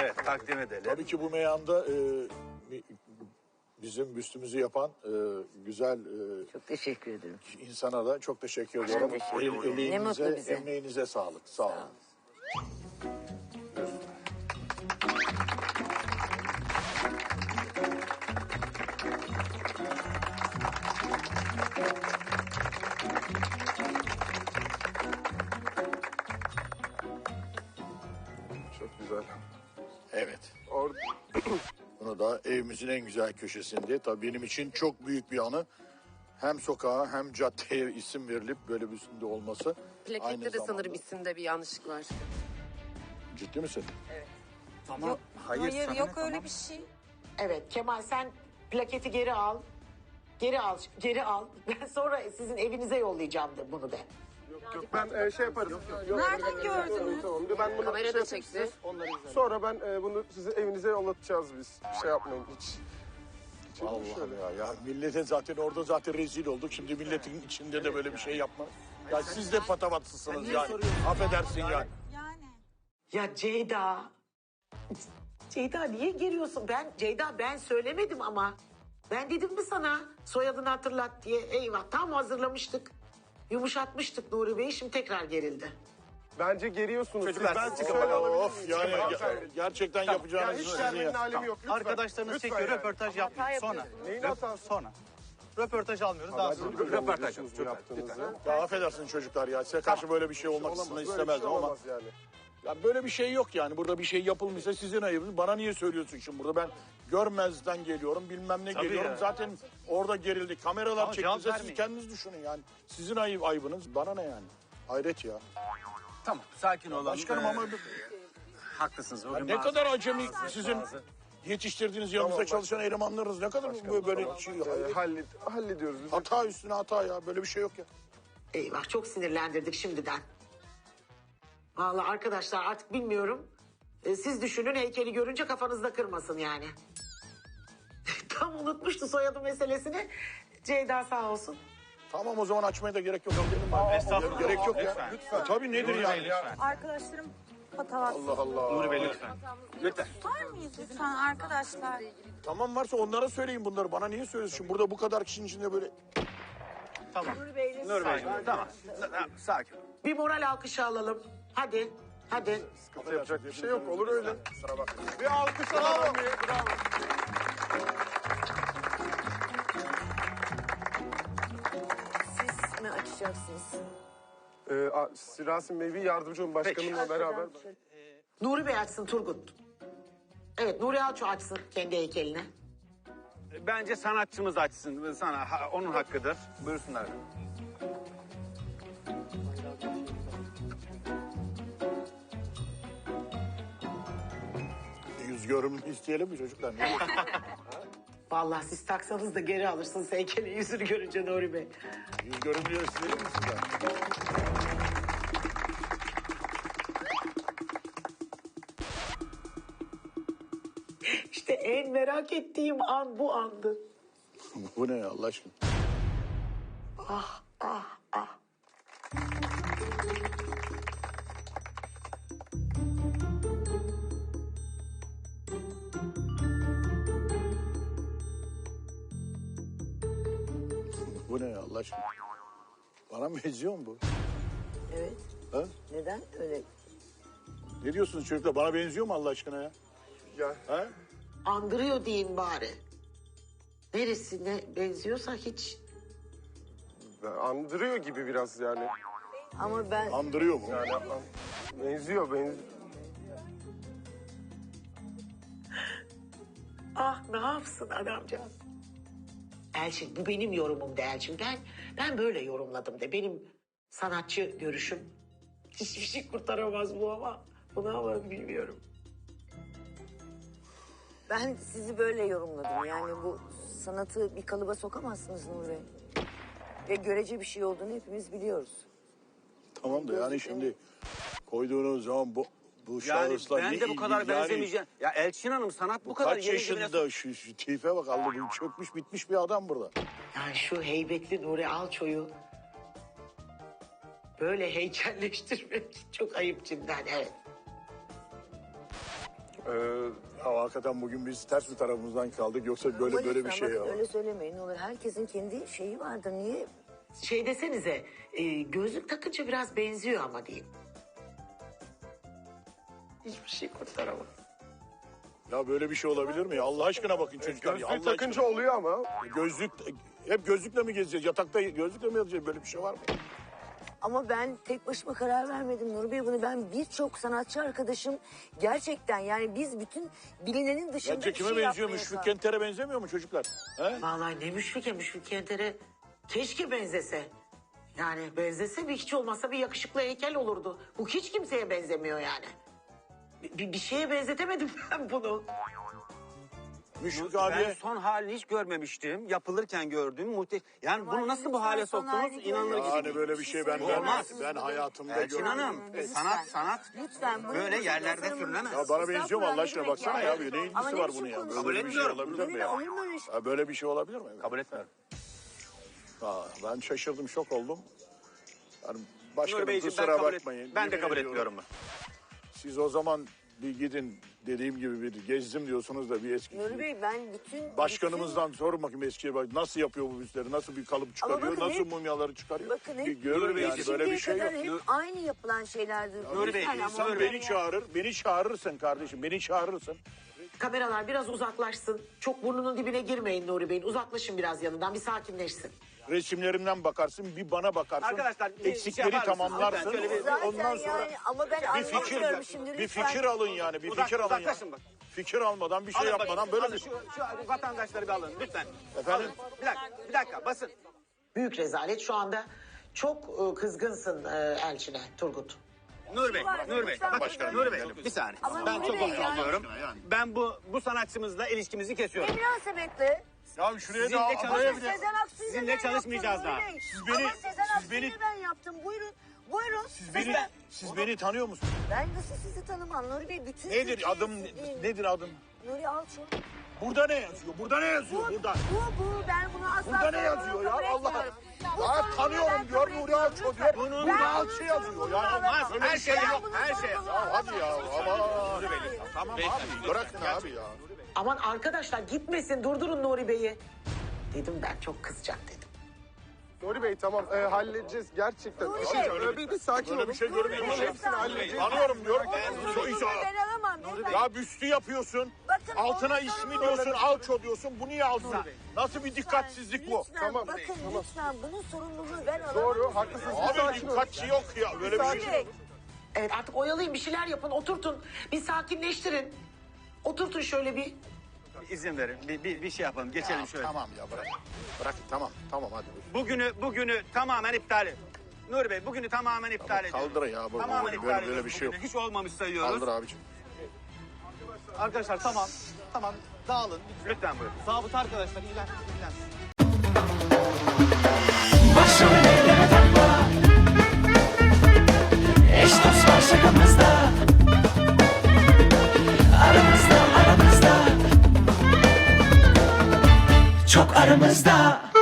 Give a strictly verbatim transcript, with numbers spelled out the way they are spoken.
Evet, takdim edelim. Tabii ki bu meyanda e, bizim büstümüzü yapan e, güzel e, Çok teşekkür ederim. insana da çok teşekkür ediyorum. teşekkür El, ederim. Ne eleğinize, mutlu bize. emeğinize sağlık. Sağ olun. Çok güzel. Evet. Orada Bunu da evimizin en güzel köşesinde. Tabii benim için çok büyük bir anı. Hem sokağa hem caddeye isim verilip böyle bir üstünde olması. Aynı Plakette de zamanda- sanırım isimde bir yanlışlık var. Ciddi misin? Tamam. Yok, hayır, hayır sana yok ne, öyle tamam. bir şey. Evet Kemal sen plaketi geri al. Geri al, geri al. Ben sonra sizin evinize yollayacağım da bunu de. yok ben e, şey yaparım. Nereden gördünüz? Tamam. Ben bunu Kamera şey da yapayım çekti. size. Sonra ben e, bunu sizin evinize yollatacağız biz. Bir şey yapmayın hiç. Allah'ım ya, ya millete zaten orada zaten rezil olduk. Şimdi milletin içinde de böyle bir şey yapma. Ya siz de patavatsızsınız yani. Affedersin yani. Yani. Ya Ceyda. Ceyda niye giriyorsun? Ben Ceyda ben söylemedim ama. Ben dedim mi sana soyadını hatırlat diye. Eyvah tam hazırlamıştık. Yumuşatmıştık Nuri Bey'i şimdi tekrar gerildi. Bence geriyorsunuz. Çocuklar, ben siz size kapatalım. alabilir Of miyim? yani Tamam, ge- sen- gerçekten Ya yapacağınız hiç sizin vermenin ya. alemi yok. Lütfen. Arkadaşlarınız Lütfen çekiyor, yani. röportaj yapmıyor. Sonra. Neyin hatası? Sonra. Röportaj almıyoruz, daha sonra. Röportaj yaptığınızı. Ya affedersin çocuklar ya. Size karşı böyle bir şey olmak Böyle bir istemezdim şey ama. olamaz yani. Ya böyle bir şey yok yani. Burada bir şey yapılmışsa sizin ayıbınız. Bana niye söylüyorsun şimdi burada? Ben görmezden geliyorum, bilmem ne Tabii geliyorum. ya. Zaten orada gerildi. Kameralar Ama cevap çektiğinizde siz vermeyin. kendiniz düşünün yani. Sizin ayıp, ayıbınız. Bana ne yani? Hayret ya. Tamam, sakin olalım. Başkanım Ee, ama haklısınız. ya Bugün ne bazı- kadar acemi sizin bazı- yetiştirdiğiniz yanınızda çalışan elemanlarınız. Ne kadar bu böyle şey. E, hallet, hallediyoruz biz. Hata üstüne hata ya. Böyle bir şey yok ya. Eyvah çok sinirlendirdik şimdiden. Vallahi arkadaşlar artık bilmiyorum. Ee, siz düşünün heykeli görünce kafanızda kırmasın yani. Tam unutmuştu soyadı meselesini. Ceyda sağ olsun. Tamam o zaman açmaya da gerek yok. Estağfurullah. Gerek yok ya. Lütfen. Ya tabii nedir Nuri yani? Bey, lütfen. Arkadaşlarım patavatsız. Allah Allah. Nuri Bey lütfen. Lütfen. Tutar mıyız lütfen arkadaşlar? Tamam varsa onlara söyleyin bunları. Bana niye söylüyorsun? Şimdi burada bu kadar kişinin içinde böyle... Tamam. Nuri Bey. Tamam. Tamam, sakin. Bir moral alkışı alalım. Hadi. Hadi. Yapacak bir şey yok. Olur öyle. Bir alkış alalım. Bravo. Siz mi açacaksınız? Ee, a- Rasim Bey bir yardımcı olun başkanımla beraber. Nuri Bey açsın Turgut. Evet Nuri Alço açsın kendi heykelini. Bence sanatçımız açsın. Sana, ha- onun hakkıdır. Buyursunlar. Yüz görümlü isteyelim mi çocuklar? Ne diyorsun? Vallahi siz taksanız da geri alırsınız heykelin yüzünü görünce Nuri Bey. Yüz görümlü isteyelim mi sizden? İşte en merak ettiğim an bu andı. Bu ne ya Allah aşkına? Ah ah ah. Bu ne ya Allah aşkına? Bana mı benziyor mu bu? Evet. Ha? Neden öyle? Ne diyorsunuz çocuklar? Bana benziyor mu Allah aşkına ya? Ya, Ha? Andırıyor deyin bari. Neresine benziyorsa hiç. andırıyor gibi biraz yani. Ama ben Andırıyor mu? Yani an- benziyor, benziyor. Ah ne yapsın adamcağız. Elçin bu benim yorumum de Elçin. Ben, ben böyle yorumladım de. Benim sanatçı görüşüm. Hiçbir şey kurtaramaz bu ama. Bunu ama bilmiyorum. ben sizi böyle yorumladım. Yani bu sanatı bir kalıba sokamazsınız Nuri Bey. Ve görece bir şey olduğunu hepimiz biliyoruz. Tamam da yani şimdi koyduğunuz zaman bu bu Yani şahısla ben ne de bu kadar ilgili? Yani benzemeyeceğim. Ya Elçin Hanım sanat bu, bu kadar kaç yeni gibi yaşında şu, şu tipe bak Allah bu çökmüş bitmiş bir adam burada. Yani şu heybetli Nuri Alço'yu böyle heykelleştirmek çok ayıp cidden evet. Ee, hakikaten bugün biz ters bir tarafımızdan kaldık. Yoksa böyle Ama böyle bir lütfen şey bakın ya. öyle söylemeyin ne olur. Herkesin kendi şeyi vardır. Niye? Şey desenize e, gözlük takınca biraz benziyor ama diyeyim. Hiçbir şey kurtaramam. Ya böyle bir şey olabilir mi ya? Allah aşkına bakın çocuklar. ya, Allah Gözlük takınca aşkına. oluyor ama. Gözlük, hep gözlükle mi gezeceğiz? Yatakta gözlükle mi yatacağız? Böyle bir şey var mı? Ama ben tek başıma karar vermedim Nuri Bey bunu. Ben birçok sanatçı arkadaşım gerçekten yani biz bütün bilinenin dışında Bence bir kime şey benziyor? yapmaya Müşfik sağ- Kenter'e benzemiyor mu çocuklar? He? Vallahi ne Müşfike, Müşfik Kenter'e keşke benzese. Yani benzese bir hiç olmazsa bir yakışıklı heykel olurdu. Bu hiç kimseye benzemiyor yani. Bir, bir şeye benzetemedim ben bunu. Müşfik Ben abiye... son halini hiç görmemiştim. Yapılırken gördüm. Muhte yani Ama bunu nasıl bu lütfen hale son soktunuz? halini İnanılır görmeyin. gibi. Yani değil. böyle bir şey ben ben, Olmaz. ben hayatımda Elçin görmedim. Hanım, Lütfen. sanat sanat. Lütfen. bunu Böyle bizim yerlerde tasarımımız- sürülemez. Ya bana benziyor mu Allah aşkına? Ne demek Baksana yani? ya. Ne Ama ilgisi ne var biçim bunun ya? konuşuyorsun? Böyle bir şey etmiyorum. olabilir mi ya? Olur mu öyle şey? Ya böyle bir şey olabilir mi? Kabul etmiyorum. Ha, ben şaşırdım, şok oldum. Yani Nur başkanım Beyciğim ben kusura kabul, et, bakmayın. ben de Yemin kabul ediyorum. etmiyorum. Siz o zaman bir gidin dediğim gibi bir gezdim diyorsunuz da bir eski... Nuri Bey ben bütün... Başkanımızdan sorun bakayım eskiye bak nasıl yapıyor bu büstleri, nasıl bir kalıp çıkarıyor, bakın nasıl hep- mumyaları çıkarıyor. Bakın Bir hep görün Nuri Bey, yani böyle bir şimdiye şey yok. kadar hep aynı yapılan şeylerdir. Nuri Bey, Lütfen ama İnsan ben beni ya- çağırır, beni çağırırsın kardeşim, beni çağırırsın. Kameralar biraz uzaklaşsın. Çok burnunun dibine girmeyin Nuri Bey'in. Uzaklaşın biraz yanından, bir sakinleşsin. Resimlerimden bakarsın, bir bana bakarsın. Arkadaşlar, bir şey eksikleri yapar mısınız? tamamlarsın. Lütfen şöyle bir- Zaten Ondan sonra yani ama ben bir fikir, anlamıyorum şimdi bir lütfen. fikir alın yani, bir Uzak- fikir alın ya. uzaklaşın bak. Fikir almadan, bir şey Alın yapmadan bakın, böyle alın bir şu, şu vatandaşları bir alın lütfen. Efendim? Alın. Bir dakika, bir dakika basın. Büyük rezalet. Şu anda çok e, kızgınsın e, Elçin'e Turgut. Nur Bey, Var, Nur Bey, lütfen bak başkanım. Nur Bey, bir saniye. Ama ben Nuri çok Bey yani- konuşuyorum. Ben bu bu sanatçımızla ilişkimizi kesiyorum. Ne münasebetle? Ya şuraya Sizinle da çalış- araya Ama bir de... Sezen Aksu'yla Sizinle ben çalışmayacağız yaptım daha. Nuri Bey. Siz beni- Ama Sezen siz Aksu'yla beni- ben yaptım. Buyurun. Buyurun. Siz beni, siz beni tanıyor musunuz? Ben nasıl sizi tanımam Nuri Bey? Bütün Nedir Türkiye adım, sizi- nedir adım? Nuri Alço. Burada ne yazıyor? Burada ne yazıyor? Bu, Burada. bu, bu. Ben bunu asla Burada ne sorumluluğu yazıyor ya? kabul Allah etmiyorum. Bu Ya sorumluluğu tanıyorum ben diyor, kabul Nuri etmiyorum. Alço diyor. Lütfen. Bunun Ben Nuri bunun Alço yazıyor. sorumluluğunu Ya alamam. olmaz, her şey Ben yok, bunun her şey. sorumluluğunu Ya hadi ya, alamam. aman. Tamam abi, bırakın abi ya. Aman arkadaşlar gitmesin, durdurun Nuri Bey'i. Dedim ben, çok kızacak dedim. Nuri Bey tamam e, halledeceğiz gerçekten. Nuri Abi, Bey. öyle bir, bir sakin Böyle olun. bir şey görmedim. Nuri Bey, Hepsini halledeceğiz. Tanıyorum diyorum. Onun Şu sorumluluğunu iş- ben alamam. beyefendi. Ya büstü yapıyorsun. Bakın, Altına onun ismi sorumluluğu- diyorsun, Alço diyorsun. Bu niye Alço? Nasıl bir dikkatsizlik bu? Lütfen, Tamam. bakın lütfen bunun sorumluluğunu ben alamam. Doğru haklısınız. Bir Abi sakin olun. dikkatçi yok ya. Böyle bir Nuri şey. Bey, Evet artık oyalayın, bir şeyler yapın, oturtun. Bir sakinleştirin. Oturtun şöyle bir. İzin verin, bir, bir, bir şey yapalım, geçelim şöyle. Tamam ya bırak. Bırak tamam tamam hadi. Bugünü bugünü tamamen iptal et. Nur Bey, bugünü tamamen iptal ediyoruz. Kaldır ya. Böyle, Tamamen böyle, iptal böyle, ediyoruz böyle bir şey yok. bugünü. Hiç olmamış sayıyoruz. Kaldır abicim. Arkadaşlar tamam. Tamam. Dağılın. Lütfen buyurun. Zabıta arkadaşlar ilan. ilan. Başrol eyleme takma. Eş dost var şakamızda. Aramızda aramızda. Çok aramızda.